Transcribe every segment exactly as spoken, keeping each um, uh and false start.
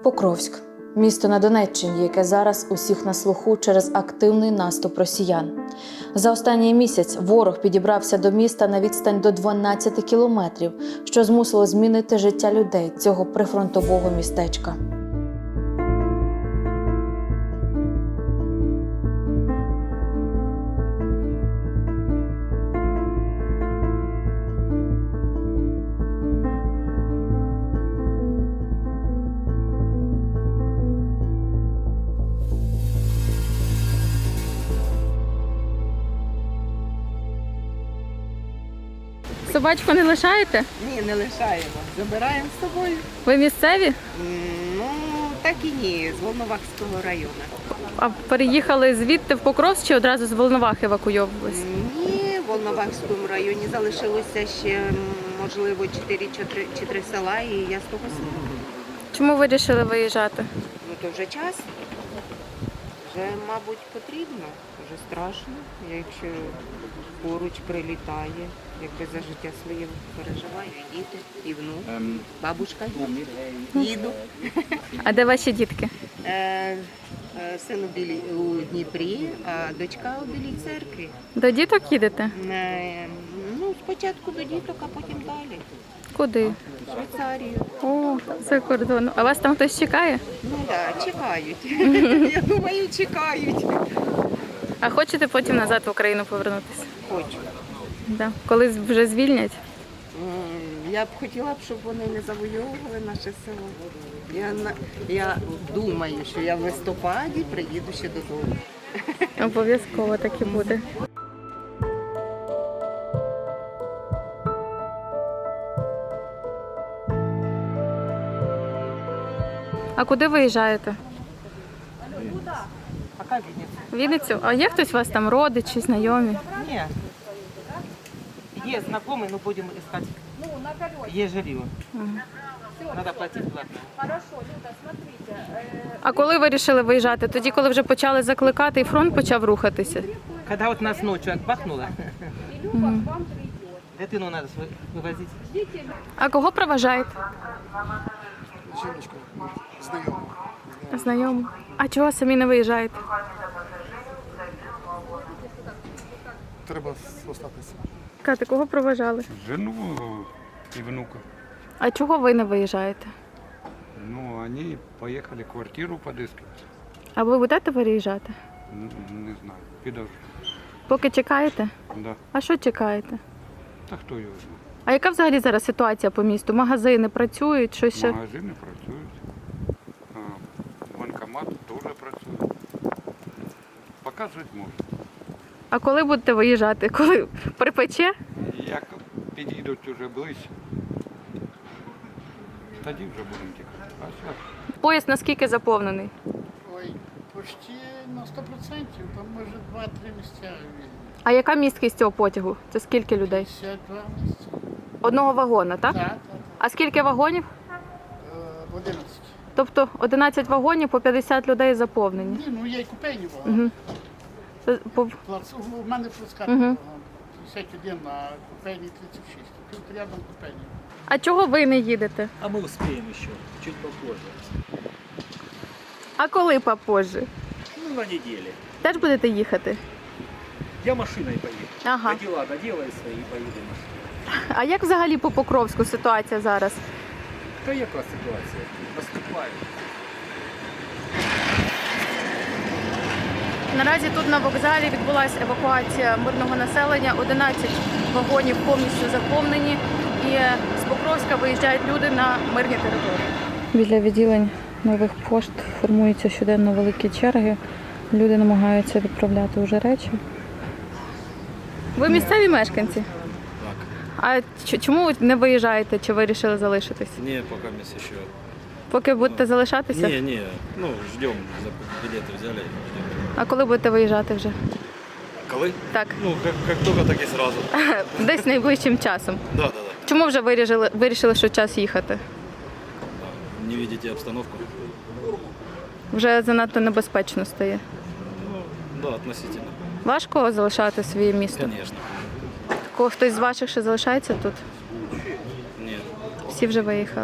Покровськ – місто на Донеччині, яке зараз усіх на слуху через активний наступ росіян. За останній місяць ворог підібрався до міста на відстань до дванадцяти кілометрів, що змусило змінити життя людей цього прифронтового містечка. Собачку не лишаєте? Ні, не лишаємо. Забираємо з собою. Ви місцеві? М, Ну, так і ні, з Волновахського району. А переїхали звідти в Покровськ чи одразу з Волновах евакуйовувались? Ні, в Волновахському районі залишилося ще, м, можливо, чотири чи три села, і я з того села. Чому ви вирішили виїжджати? Ну, то вже час. Вже, мабуть, потрібно. Вже страшно, якщо поруч прилітає. Якби за життя своє переживаю, і діти, і внук, бабушка, діду. А де ваші дітки? Е, е, Син у, Білій, у Дніпрі, а дочка у Білій церкві. До діток їдете? Е, Ну, спочатку до діток, а потім далі. Куди? В Швейцарію. О, за кордон. А вас там хтось чекає? Ну так, да, чекають. Я думаю, чекають. А хочете потім назад в Україну повернутися? Хочу. Да. Коли вже звільнять? М, Я б хотіла б, щоб вони не завойовували наше село. Я, на- я думаю, що я в листопаді приїду ще додому. Обов'язково так і буде. А куди виїжджаєте? Пока Вінниця. В Вінницю? А є хтось у вас там родичі, знайомі? Нет. Есть знакомый, но будем искать. Есть жилье. Надо платить платно. А коли ви вирішили виїжджати? Тоді, коли вже почали закликати і фронт почав рухатися? Когда вот нас ночью отбахнуло, дитину надо св- вывозить. А кого проважаєте? Жіночку, знайому. Знайому. А чого самі не виїжджаєте? Треба остатися. Кати, кого проважали? Жену и внука. А чого ви не виїжджаєте? Ну, они поехали квартиру подыскивать. А ви будете виїжджати? Н- Не знаю, підожди. Поки чекаєте? Да. А що чекаєте? Та хто його знає? А яка взагалі зараз ситуація по місту? Магазини працюють, що ще? Магазини працюють. А, банкомат теж працює. Показувати можна. А коли будете виїжджати? Коли припече? Як підійдуть уже ближче, тоді вже будемо тікати. А зараз Поїзд наскільки заповнений? Ой, почти на сто процентів, там може два-три місця вільні. А яка місткість цього потягу? Це скільки людей? п'ятдесят два місця. Одного вагона, так? Так, так, А скільки вагонів? так. Е, одинадцять. Тобто одинадцять вагонів по п'ятдесят людей заповнені. Ні, ну є й купейні багато. Угу. Це по- Плац- У мене плацкарт Мгм. багато. п'ятдесят один, а купейні тридцять шість. Тут рядом купейні. А чого ви не їдете? А мы успеем еще, чуть попозже. А коли попозже? Ну, на неделе. Теж будете їхати? Я машиной поеду. Ага. А дела доделаю свои и поеду машиной. А як взагалі по Покровську ситуація зараз? Та яка ситуація? Наступаю. Наразі тут на вокзалі відбулася евакуація мирного населення. одинадцять вагонів повністю заповнені і з Покровська виїжджають люди на мирні території. Біля відділень нових пошт формуються щоденно великі черги. Люди намагаються відправляти вже речі. Ви місцеві мешканці? Так. А ч- чому ви не виїжджаєте чи вирішили залишитись? Не, пока месяц еще. Поки будете залишатися? Не, не, ну ждем, за- билеты взяли. Ждем. А коли будете виїжджати вже? Коли? Так, Ну, как, как только, так и сразу. десь найближчим часом. Да, да, да. Чому вже вирішили, вирішили, що час їхати? Не видите обстановку? Вже занадто небезпечно стає. Ну, да, относительно. Важко залишати своє місто? Конечно. Ко- Хтось з ваших ще залишається тут? Нет. Всі вже виїхали.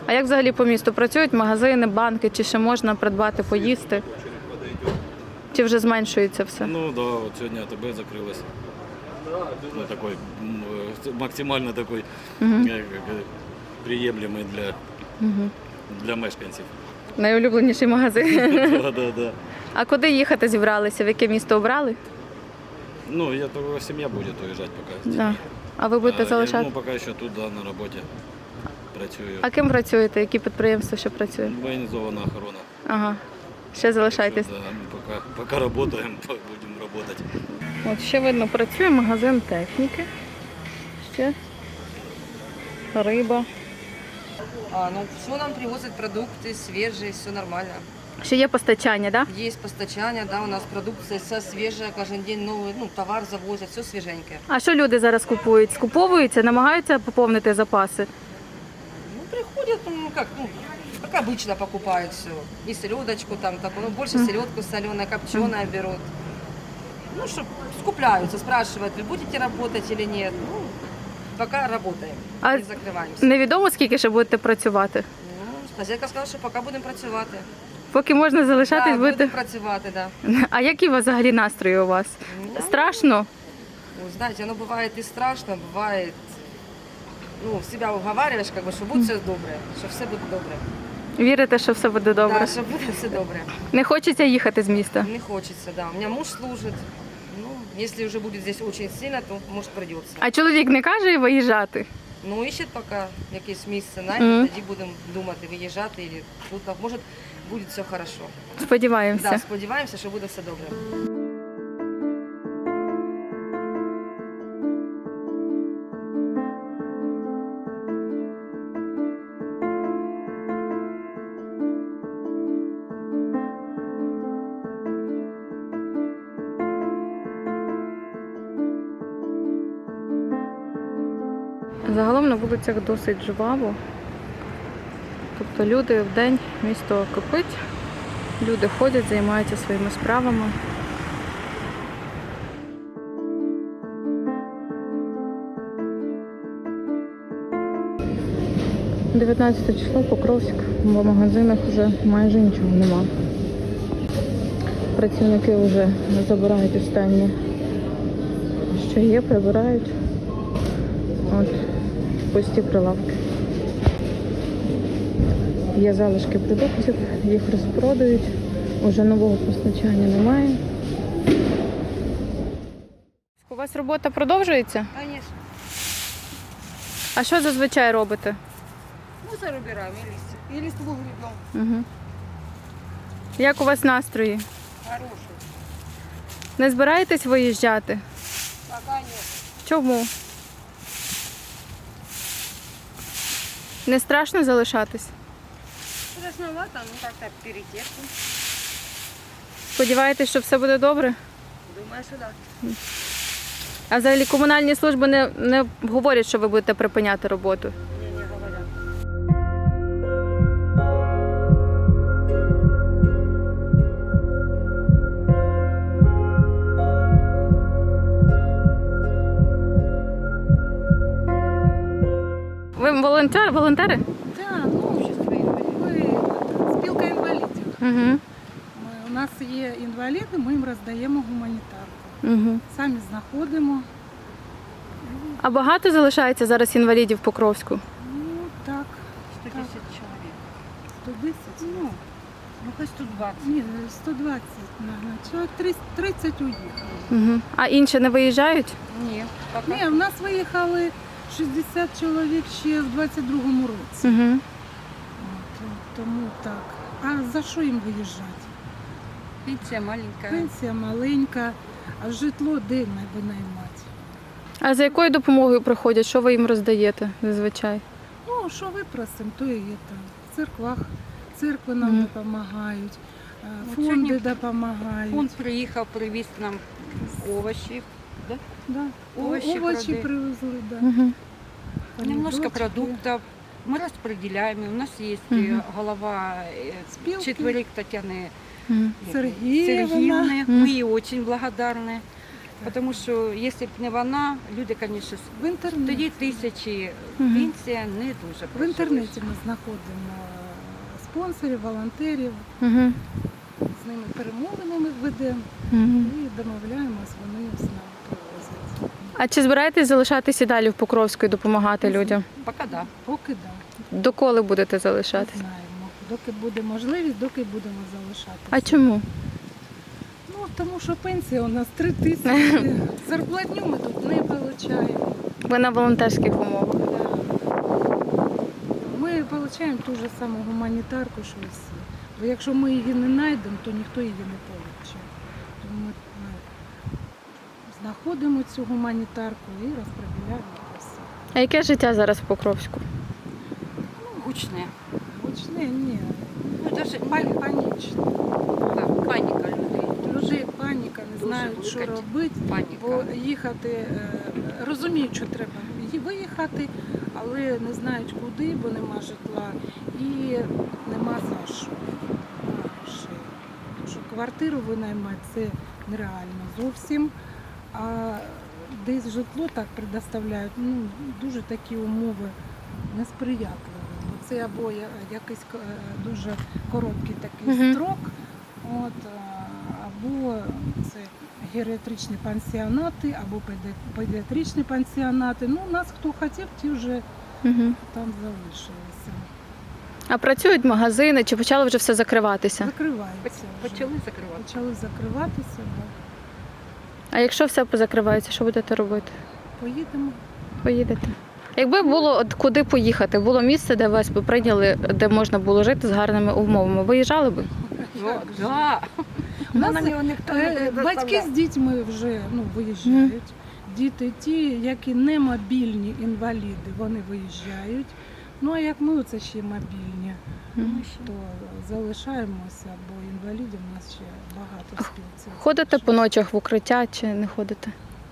А як взагалі по місту працюють магазини, банки, чи ще можна придбати, поїсти? Чи вже зменшується все? Ну да, вот сегодня АТБ закрылась. Ну, такой м, э, максимально такой Мгм. э, как, э, приемлемый для, Угу. для мешканців. Найулюбленіший магазин. Да, да, да. А куди їхати зібралися? В яке місто обрали? Ну, я только семья будет уезжать пока. Да. А ви будете А, я, залишати? ну, пока еще тут, да, на роботі працюю. А ким працюєте? Які підприємства ще працює? Воєнізована охорона. Ага. Ще залишайтесь. Да, ну, пока, пока работаем, будем работать. От ще видно, працює магазин техніки. Ще риба. А, ну, все нам привозят продукты свежие, все нормально. Ще є постачання, так? Да? Есть постачание, да, у нас продукция вся свежая, каждый день новый, ну, товар завозят, все свеженькое. А що люди зараз купують? Скуповуються, намагаються поповнити запаси? Ну, приходят, ну, как, ну, как обычно покупают все. И селедочку там, так, ну, больше селедку соленая, копченая берут. Ну, что, скупляются, спрашивают, вы будете работать или нет. Ну, пока работаем, А не закрываемся. Невідомо, скільки ще будете працювати. Ну, хозяйка сказала, що поки будемо працювати. Поки можна залишатись, Да, будете. будемо працювати, да. А які у вас взагалі настрої у вас? Ну, Страшно? Ну, знаете, оно бывает и страшно, бывает, ну, себя уговариваешь, как бы, что будет все добре, що все буде добре. Вірите, що все буде добре? Да, що буде все добре. Не хочеться їхати з міста? Не хочется, да. У меня муж служит. Ну, если уже будет здесь очень сильно, то может придется. А чоловік не каже виїжджати? Ну, ищет пока якесь місце, найде, Мгм. тоді будемо думати, виїжджати, і тут, може, буде все хорошо. Сподіваємося. Да, сподіваємося, що буде все добре. Загалом на вулицях досить жваво. Тобто люди в день, місто кипить, люди ходять, займаються своїми справами. дев'ятнадцяте число, Покровськ, в магазинах вже майже нічого нема. Працівники вже забирають останнє, що є, прибирають. От, пусті прилавки. Є залишки продуктів, їх розпродають, уже нового постачання немає. У вас робота продовжується? Конечно. А що зазвичай робите? Мусор убираем и листья. И листву гребем. Угу. Як у вас настрої? Хороший. Не збираєтесь виїжджати? Пока нет. Чому? Не страшно залишатись? Страшновато, ну как-то перетерпим. Сподіваєтесь, що все буде добре? Думаю, что да. А взагалі комунальні служби не, не говорять, що ви будете припиняти роботу? Не, не говорят. Ви волонтер, волонтери? Так, ну, общество інвалідів. Ми спілка інвалідів. Угу. Ми, у нас є інваліди, ми їм роздаємо гуманітарку. Угу. Самі знаходимо. А багато залишається зараз інвалідів в Покровську? Ну так. сто десять человек. сто десять? Ну, Ну, хоть сто двадцать. ні, сто двадцять, мабуть. Чоловік тридцять уїхало. Угу. А інші не виїжджають? Нет, пока. Ні, в нас виїхали шістдесят чоловік ще в двадцять другому році. Угу. От, тому так. А за що їм виїжджати? Пенсия маленькая. Пенсія маленька, а житло де наймати? А за якою допомогою приходять? Що ви їм роздаєте зазвичай? Ну, що випросимо, то і є там. В церквах, церкви нам Мгм. допомагають, е, От фонди сьогодні допомагають. Он приїхав, привіз нам овощи. Да? Да. овощі Овощі, овощі продають. привезли, да. Угу. Немножко Помидорчики. продуктов. Мы распределяем. У нас есть Мгм. э, голова э, Спилки. четверик Татьяны Угу. Сергіївна. Сергеевны. Мгм. Мы ей очень благодарны. Тому що, якщо б не вона, люди, звісно, В інтернеті, тоді тисячі, Мгм. пенсія не дуже. в інтернеті ми знаходимо спонсорів, волонтерів, Угу. з ними перемовини ми ведемо Угу. і домовляємось, вони з нами привозять. А чи збираєтесь залишатися далі в Покровську і допомагати людям? Поки да. Поки да, Доколи будете не залишатись? знаємо. Доки буде можливість, доки будемо залишатися. А чому? Ну, тому що пенсія у нас три тисячі. Зарплатню ми тут не отримуємо. Ви на волонтерських умовах. Ми отримуємо ту ж саму гуманітарку, що і всі. Бо якщо ми її не знайдемо, то ніхто її не отримає. Тому ми, ми знаходимо цю гуманітарку і розподіляємо все. А яке життя зараз в Покровську? Ну, гучне. Гучне, ні. Ну, даже, Пані, панічно. так, паніка людей. Людей паніка, не Дуже знають, що велика робити. Паніка. Бо їхати, е, розуміють, що треба ї- виїхати, але не знають куди, бо нема житла і нема за що. Нема грошей. Тому що квартиру винаймати це нереально зовсім. А десь житло так предоставляють, ну, дуже такі умови несприятливі. Бо це або я- якийсь е, дуже короткий такий Мгм. строк, от, е, або це геріатричні пансіонати, або педи- педіатричні пансіонати. Ну, нас хто хотів, ті вже Угу. там залишилися. А працюють магазини, чи почало вже все закриватися? Закриваються. вже. Почали закривати. Почали закриватися, да. А якщо все позакривається, що будете робити? Поїдемо. Поїдете? Якби було от куди поїхати, було місце, де вас би прийняли, де можна було жити з гарними умовами, виїжджали би? Ну, да. У нас Нам його ніхто не е, батьки предоставляє. з дітьми вже ну, виїжджають. Діти ті, які не мобільні інваліди, вони виїжджають. Ну а як ми це ще мобільні, Мгм. то залишаємося, бо інвалідів у нас ще багато в спілці. Ходите по ночах в укриття чи не ходите?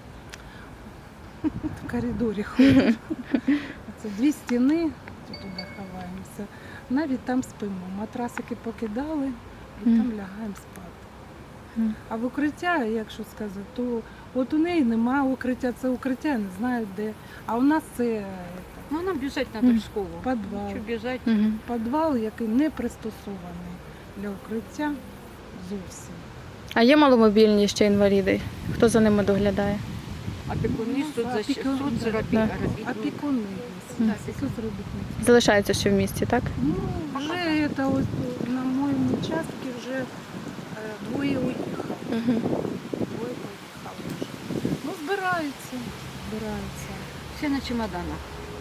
В коридорі ходять. Це дві стіни, то туди ховаємося. Навіть там спимо. Матрасики покидали і Мгм. там лягаємо спати. Мгм. А в укриття, якщо сказати, то от у неї немає укриття, це укриття, не знаю де. А у нас це е, Ну, нам біжать треба Мгм. в школу. підвал. Що біжать? Угу. Підвал, який не пристосований для укриття зовсім. А є маломобільні ще інваліди? Хто за ними доглядає? Опікуни, соцзащ- Опікун- соцробітники. Опікуни є, Мгм. соцробітники. Залишаються ще в місті, так? Ну, вже це ось на моєму участку вже е, двоє уїхали. Угу. Двоє поїхали вже. Ну, збираються, збираються. Всі на чемоданах.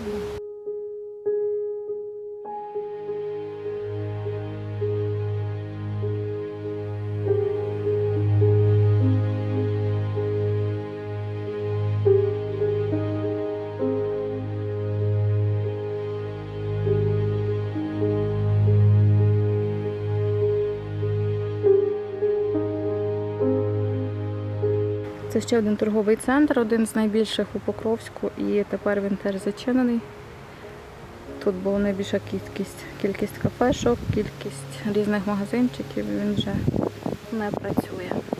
Це ще один торговий центр, один з найбільших у Покровську, і тепер він теж зачинений. Тут була найбільша кількість, кількість кафешок, кількість різних магазинчиків, він вже не працює.